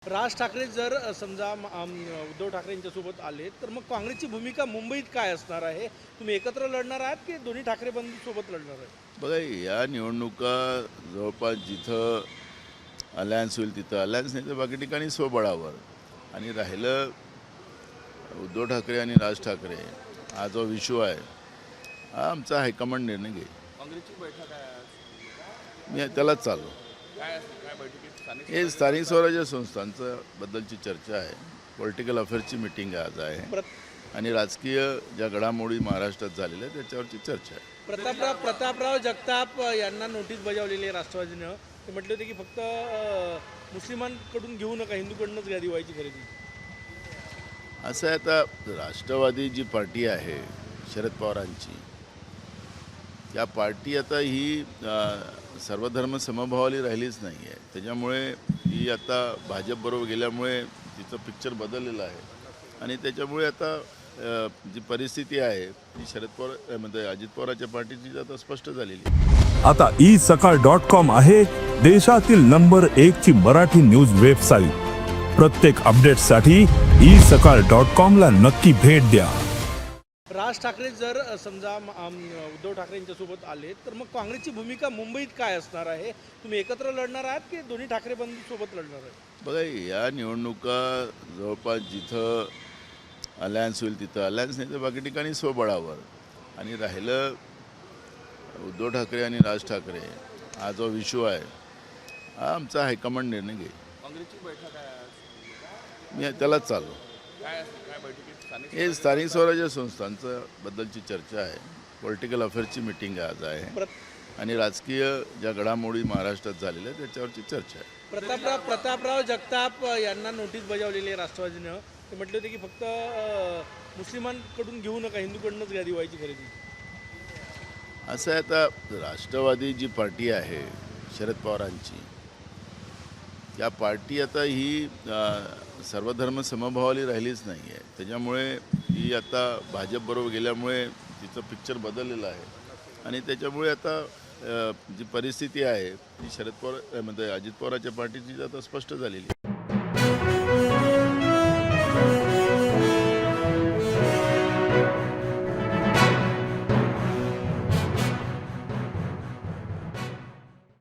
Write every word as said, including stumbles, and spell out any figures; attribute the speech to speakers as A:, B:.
A: राज ठाकरे जर समजा अम, उद्धव ठाकरे यांच्यासोबत आले तर मग काँग्रेसची भूमिका मुंबईत काय असणार आहे? तुम्ही एकत्र लढणार आहात की दोन्ही ठाकरे बंधू सोबत लढणार आहे?
B: बघा, या निवडणुका जवळपास जिथं अलायन्स होईल तिथं अलायन्स, नाही तर बाकी ठिकाणी स्वबळावर. आणि राहिलं उद्धव ठाकरे आणि राज ठाकरे, हा जो इश्यू आहे हा आमचा हायकमांड निर्णय घेईल.
C: काँग्रेसची बैठक आहे आज.
B: मी त्यालाच चाललो.
C: काय असेल काय बैठकीत स्थानिक
B: हे स्थानिक स्वराज्य संस्थांचं बद्दलची चर्चा आहे. पॉलिटिकल अफेअर्सची मिटिंग आज आहे
A: प्रत-
B: आणि राजकीय ज्या घडामोडी महाराष्ट्रात झालेल्या आहेत त्याच्यावरची चर्चा आहे.
A: प्रतापराव प्रतापराव जगताप यांना नोटीस बजावलेली आहे राष्ट्रवादीनं. ते म्हटले होते की फक्त अ, मुस्लिमांकडून घेऊ नका, हिंदूकडूनच घ्या दिवाळीची खरेदी.
B: असं आहे, आता राष्ट्रवादी जी पार्टी आहे शरद पवारांची, या पार्टी आता ही अ, सर्वधर्म समभावाली राहिलीच नाही आहे. त्याच्यामुळे ही आता भाजपबरोबर गेल्यामुळे तिचं पिक्चर बदललेलं आहे आणि त्याच्यामुळे आता अ, जी परिस्थिती आहे ती शरद पवार म्हणजे अजित पवारांच्या पार्टीची आता स्पष्ट झालेली आहे.
D: आता ई सकाळ डॉट कॉम आहे देशातील नंबर एक ची मराठी न्यूज वेबसाईट. प्रत्येक अपडेटसाठी ई सकाळ डॉट कॉम ला नक्की भेट द्या.
A: राज ठाकरे जर अ, समजा अम, उद्धव ठाकरे यांच्यासोबत आले तर मग काँग्रेसची भूमिका मुंबईत काय असणार आहे? तुम्ही एकत्र लढणार आहात की दोन्ही ठाकरे बंधू सोबत लढणार आहे?
B: बघा, या निवडणुका जवळपास जिथं अलायन्स होईल तिथं अलायन्स, नाही तर बाकी ठिकाणी स्वबळावर. आणि राहिलं उद्धव ठाकरे आणि राज ठाकरे, हा जो इश्यू आहे हा आमचा हायकमांड निर्णय घेईल.
C: काँग्रेसची बैठक आहे आज.
B: मी त्यालाच चाललो.
C: काय असेल काय बैठकीत स्थानिक
B: हे स्थानिक स्वराज्य संस्थांचं बद्दलची चर्चा आहे. पॉलिटिकल अफेअर्सची मिटिंग आज आहे
A: प्रत-
B: आणि राजकीय ज्या घडामोडी महाराष्ट्रात झालेल्या आहेत त्याच्यावरची चर्चा आहे.
A: प्रतापराव प्रतापराव जगताप यांना नोटीस बजावलेली आहे राष्ट्रवादीनं. ते म्हटले होते की फक्त अ, मुस्लिमांकडून घेऊ नका, हिंदूकडूनच घ्या दिवाळीची खरेदी.
B: असं आहे, आता राष्ट्रवादी जी पार्टी आहे शरद पवारांची, या पार्टी आता ही अ, सर्वधर्म समभावाली राहिलीच नाही आहे. त्याच्यामुळे ही आता भाजपबरोबर गेल्यामुळे तिचं पिक्चर बदललेलं आहे आणि त्याच्यामुळे आता अ, जी परिस्थिती आहे ती शरद पवार म्हणजे अजित पवारांच्या पार्टीची आता स्पष्ट झालेली आहे.